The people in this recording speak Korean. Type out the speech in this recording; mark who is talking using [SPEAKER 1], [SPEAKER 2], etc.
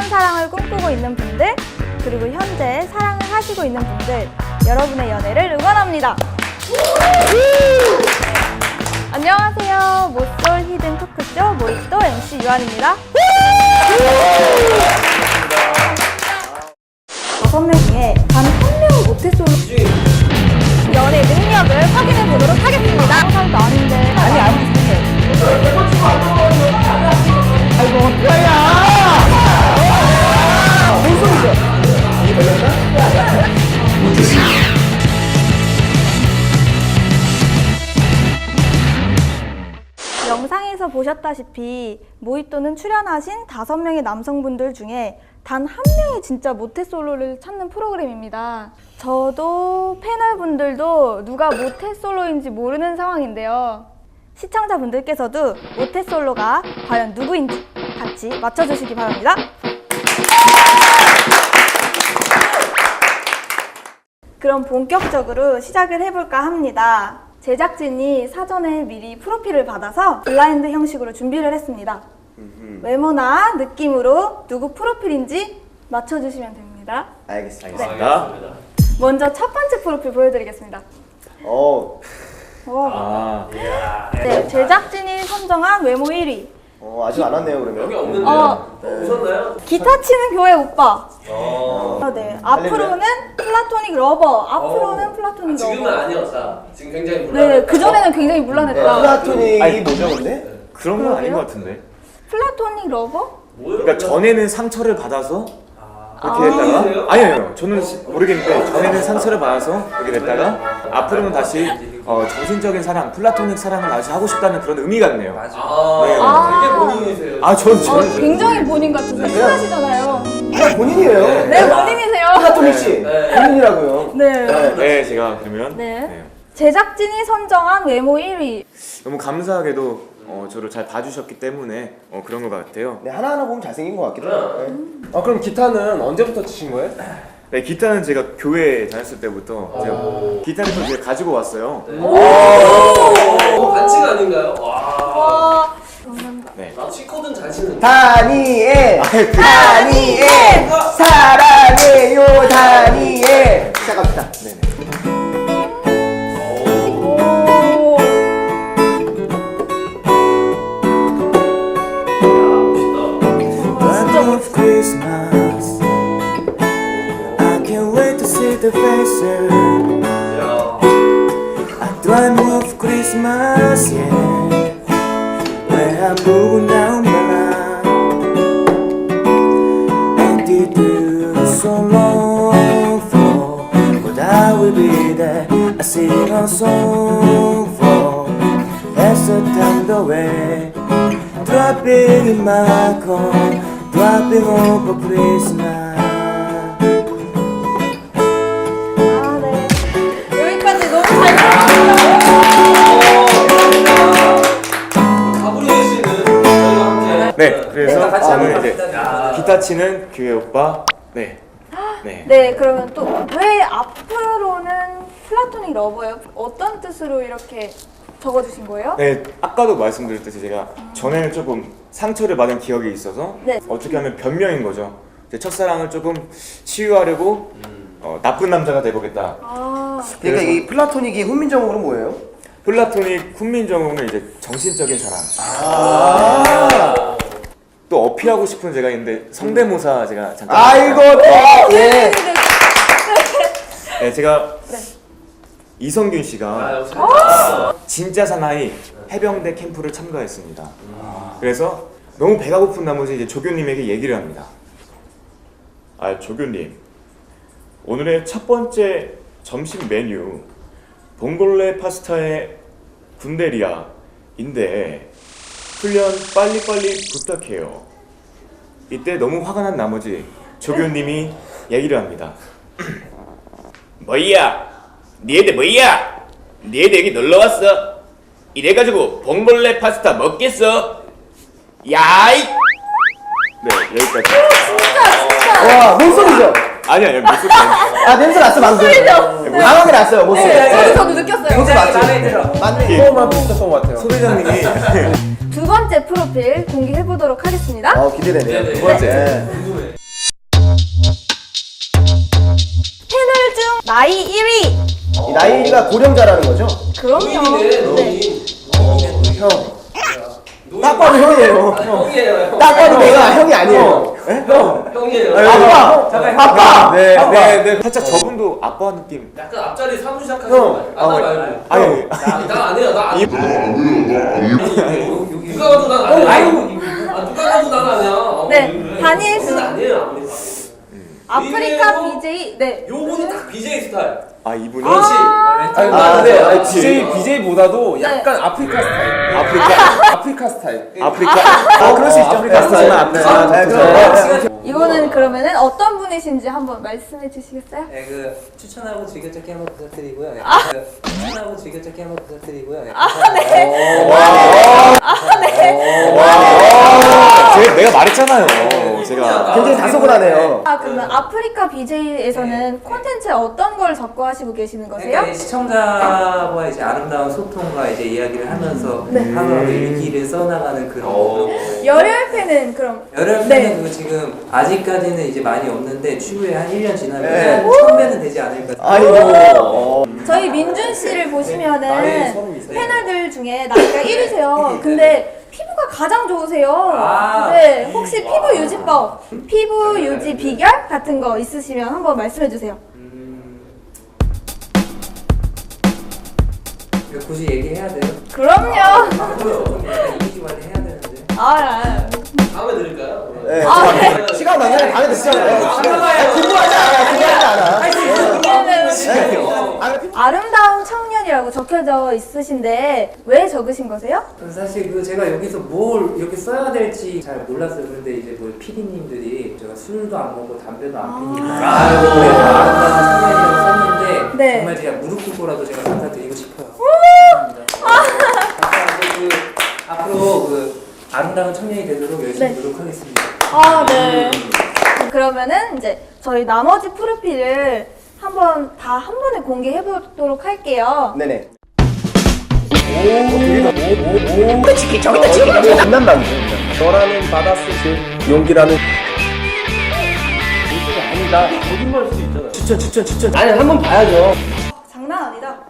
[SPEAKER 1] 사랑을 꿈꾸고 있는 분들, 그리고 현재 사랑을 하시고 있는 분들, 여러분의 연애를 응원합니다. 안녕하세요. 모쏠 히든 토크쇼 모히또 MC 유한입니다. 5명 중에 단 한 명은 모태솔로 연애 능력을 확인해 보도록 하겠습니다. 사람도 아닌데. 아니.
[SPEAKER 2] 아이고 어떡하냐. 뭔 소리죠? 이게 걸렸나?
[SPEAKER 1] 영상에서 보셨다시피 모히또는 출연하신 5명의 남성분들 중에 단 한 명이 진짜 모태솔로를 찾는 프로그램입니다. 저도 패널분들도 누가 모태솔로인지 모르는 상황인데요. 시청자분들께서도 모태솔로가 과연 누구인지 같이 맞춰주시기 바랍니다. 그럼 본격적으로 시작을 해볼까 합니다. 제작진이 사전에 미리 프로필을 받아서 블라인드 형식으로 준비를 했습니다. 외모나 느낌으로 누구 프로필인지 맞춰주시면 됩니다.
[SPEAKER 2] 알겠습니다.
[SPEAKER 1] 네. 먼저 첫 번째 프로필 보여드리겠습니다. 네, 제작진이 선정한 외모 1위.
[SPEAKER 2] 아직 안 왔네요 그러면.
[SPEAKER 3] 여기 없는데요? 오셨나요?
[SPEAKER 1] 기타 치는 교회 오빠. 네, 앞으로는 플라토닉 러버. 앞으로는 플라토닉 러버.
[SPEAKER 3] 지금은 아니었다. 지금 굉장히 불안했다.
[SPEAKER 1] 네, 그전에는 굉장히 문란했다.
[SPEAKER 2] 플라토닉이 뭐죠 근데?
[SPEAKER 4] 그런 건 아닌 것 같은데.
[SPEAKER 1] 플라토닉 러버?
[SPEAKER 4] 그러니까 전에는 상처를 받아서 이렇게
[SPEAKER 3] 그래요?
[SPEAKER 4] 됐다가 아니요 저는 모르겠는데 전에는 상처를 받아서 이렇게 됐다가 앞으로는 다시 정신적인 사랑, 플라토닉 사랑을 다시 하고 싶다는 그런 의미 같네요.
[SPEAKER 3] 되게 본인이세요.
[SPEAKER 4] 저는
[SPEAKER 1] 굉장히 본인 같으세요. 친하시잖아요.
[SPEAKER 2] 본인이에요.
[SPEAKER 1] 네, 본인이세요.
[SPEAKER 2] 플라토닉 씨. 본인이라고요.
[SPEAKER 1] 네.
[SPEAKER 4] 네 제가 그러면
[SPEAKER 1] 네. 제작진이 선정한 외모 1위.
[SPEAKER 4] 너무 감사하게도 저를 잘 봐주셨기 때문에 그런 것 같아요.
[SPEAKER 2] 네 하나하나 보면 잘생긴 것 같기도 해요.
[SPEAKER 5] 그럼 기타는 언제부터 치신 거예요?
[SPEAKER 4] 네 기타는 제가 교회 다녔을 때부터 제가 기타를 또 제가 가지고 왔어요.
[SPEAKER 3] 반칙 아닌가요? 와.
[SPEAKER 1] 와.
[SPEAKER 4] 네.
[SPEAKER 3] 나 C코드는 잘 치는데.
[SPEAKER 2] 다니엘 사랑해요 다니엘. 시작합시다. 네네.
[SPEAKER 6] of Christmas, I can't wait to see the faces. I dream of Christmas, yeah, where I'm moving down the line, and it is so long for, but I will be there. I sing a song for, as the time away, dropping in my car. Dropping over Christmas.
[SPEAKER 1] 네. 여기까지 너무 잘 들었습니다.
[SPEAKER 3] 가브리엘 씨는 저희와 함께.
[SPEAKER 4] 네 그래서
[SPEAKER 3] 같이
[SPEAKER 4] 저는
[SPEAKER 3] 한번
[SPEAKER 4] 이제
[SPEAKER 3] 갑시다.
[SPEAKER 4] 기타 치는 교회 오빠. 네.
[SPEAKER 1] 네, 그러면 또 왜 앞으로는 플라토닉 러버예요? 어떤 뜻으로 이렇게 적어주신 거예요?
[SPEAKER 4] 네, 아까도 말씀드렸듯이 제가 전에는 조금 상처를 받은 기억이 있어서
[SPEAKER 1] 네.
[SPEAKER 4] 어떻게 하면 변명인 거죠. 제 첫사랑을 조금 치유하려고 나쁜 남자가 돼보겠다.
[SPEAKER 2] 그러니까 이 플라토닉이 훈민정음으로 뭐예요?
[SPEAKER 4] 플라토닉 훈민정음은 이제 정신적인 사랑. 또 어필하고 싶은 제가 있는데 성대모사 제가 잠깐.
[SPEAKER 2] 아이고 예.
[SPEAKER 4] 네, 제가 이성균 씨가 진짜 사나이 해병대 캠프를 참가했습니다. 그래서 너무 배가 고픈 나머지 이제 조교님에게 얘기를 합니다. 조교님, 오늘의 첫 번째 점심 메뉴 봉골레 파스타에 군대리아인데 훈련 빨리빨리 부탁해요. 이때 너무 화가 난 나머지 조교님이 얘기를 합니다. 뭐야? 니애들 뭐야? 니애들 여기 놀러왔어? 이래가지고 봉골레 파스타 먹겠어? 야이! 네 여기까지.
[SPEAKER 2] 와 뭔소리죠?
[SPEAKER 4] 아니요 무슨 아니에요.
[SPEAKER 2] 냄새 났어 방금. 강하게 났어요 모습.
[SPEAKER 1] 저도 느꼈어요.
[SPEAKER 2] 모습 맞죠?
[SPEAKER 5] 마음에 들어.
[SPEAKER 2] 맞네.
[SPEAKER 5] 그거만 비슷했던 것 같아요.
[SPEAKER 4] 소대장님이
[SPEAKER 1] 두 번째 프로필 공개해보도록 하겠습니다.
[SPEAKER 2] 기대되네요.
[SPEAKER 3] 네, 네.
[SPEAKER 2] 두 번째.
[SPEAKER 3] 궁금해.
[SPEAKER 1] 나이 1위.
[SPEAKER 2] 이 나이 1위가 고령자라는 거죠?
[SPEAKER 1] 그럼요.
[SPEAKER 3] 노인이네, 노인.
[SPEAKER 2] 형. 딱 봐도 형이에요.
[SPEAKER 3] 형이에요.
[SPEAKER 2] 딱 봐도 내가 형이 아니에요.
[SPEAKER 3] 형이에요.
[SPEAKER 2] 아빠! 아빠!
[SPEAKER 4] 네, 네. 살짝 저분도 아빠 느낌.
[SPEAKER 3] 약간 앞자리 사무 시작하시는 거 아니에요? 나 말고.
[SPEAKER 4] 아니,
[SPEAKER 3] 나안 해요. 나 안 해요. 누가 봐도 난 안 해요. 누가 봐도 난 안 해요.
[SPEAKER 1] 네, 다니엘 씨.
[SPEAKER 3] 아니에요. 아무리 봐도.
[SPEAKER 1] 아프리카
[SPEAKER 3] 이래요?
[SPEAKER 1] BJ. 네.
[SPEAKER 3] 요거는 딱 BJ 스타일.
[SPEAKER 4] 아 이분이
[SPEAKER 3] 그렇지.
[SPEAKER 5] 아니
[SPEAKER 2] 네.
[SPEAKER 5] 근데 BJ보다도 약간 아프리카 스타일. 아프리카 스타일.
[SPEAKER 4] 아프리카. 그럴 수 있죠.
[SPEAKER 5] 아프리카 스타일.
[SPEAKER 4] 아프리카.
[SPEAKER 2] 네, 그럼.
[SPEAKER 1] 이거는 그러면은 어떤 분이신지 한번 말씀해 주시겠어요?
[SPEAKER 7] 네, 추천하고 즐겨찾기 한번 부탁드리고요. 네, 추천하고 즐겨찾기 한번 부탁드리고요. 네,
[SPEAKER 4] 내가 말했잖아요. 제가
[SPEAKER 2] 굉장히 다소곳하네요.
[SPEAKER 1] 그러면 아프리카 BJ에서는 콘텐츠에 어떤 걸 적고 하시고 계시는 거세요?
[SPEAKER 7] 그러니까 시청자와 이제 아름다운 소통과 이제 이야기를 하면서 하루하루 일기를 써나가는 그런 거.
[SPEAKER 1] 열혈팬은 그럼
[SPEAKER 7] 열혈팬은
[SPEAKER 1] 네.
[SPEAKER 7] 그거 지금 아직까지는 이제 많이 없는데 추후에 한 1년 지나면
[SPEAKER 2] 네.
[SPEAKER 7] 1000배는 되지 않을까.
[SPEAKER 2] 아이고.
[SPEAKER 1] 저희 민준 씨를
[SPEAKER 5] 나이
[SPEAKER 1] 보시면은
[SPEAKER 5] 32세.
[SPEAKER 1] 패널들 중에 나이가 1위세요. 근데 피부가 가장 좋으세요.
[SPEAKER 7] 아.
[SPEAKER 1] 네, 혹시 피부 유지법, 피부 유지 비결 같은 거 있으시면 한번 말씀해 주세요.
[SPEAKER 7] 이거 굳이 얘기해야 돼요?
[SPEAKER 1] 그럼요.
[SPEAKER 7] 좀 약간 이미지 관리 해야 되는데.
[SPEAKER 3] 다음에 드릴까요?
[SPEAKER 2] 네.
[SPEAKER 1] 네.
[SPEAKER 2] 시간 많으면 방에 드시잖아요. 궁금하지 않아. 궁금하지 않아.
[SPEAKER 1] 아름다운 청년이라고 적혀져 있으신데 왜 적으신 거세요?
[SPEAKER 7] 사실 제가 여기서 뭘 이렇게 써야 될지 잘 몰랐어요. 그런데 이제 PD님들이 제가 술도 안 먹고 담배도 안 피니까 아름다운 청년이라고 썼는데
[SPEAKER 1] 네.
[SPEAKER 7] 정말 제가 무릎 꿇고라도 제가 감사드리고 싶어요. 감사합니다. 앞으로 아름다운 청년이 되도록 열심히
[SPEAKER 1] 네.
[SPEAKER 7] 노력하겠습니다.
[SPEAKER 1] 네. 그러면은 이제 저희 나머지 프로필을 한번 다 한 번에 공개해 보도록 할게요.
[SPEAKER 2] 네네. 저기다 장난감.
[SPEAKER 5] 너라는 바다스실 용기라는
[SPEAKER 3] 거짓말일 수 있잖아요.
[SPEAKER 2] 추천. 아니, 한번 봐야죠.
[SPEAKER 1] 장난 아니다.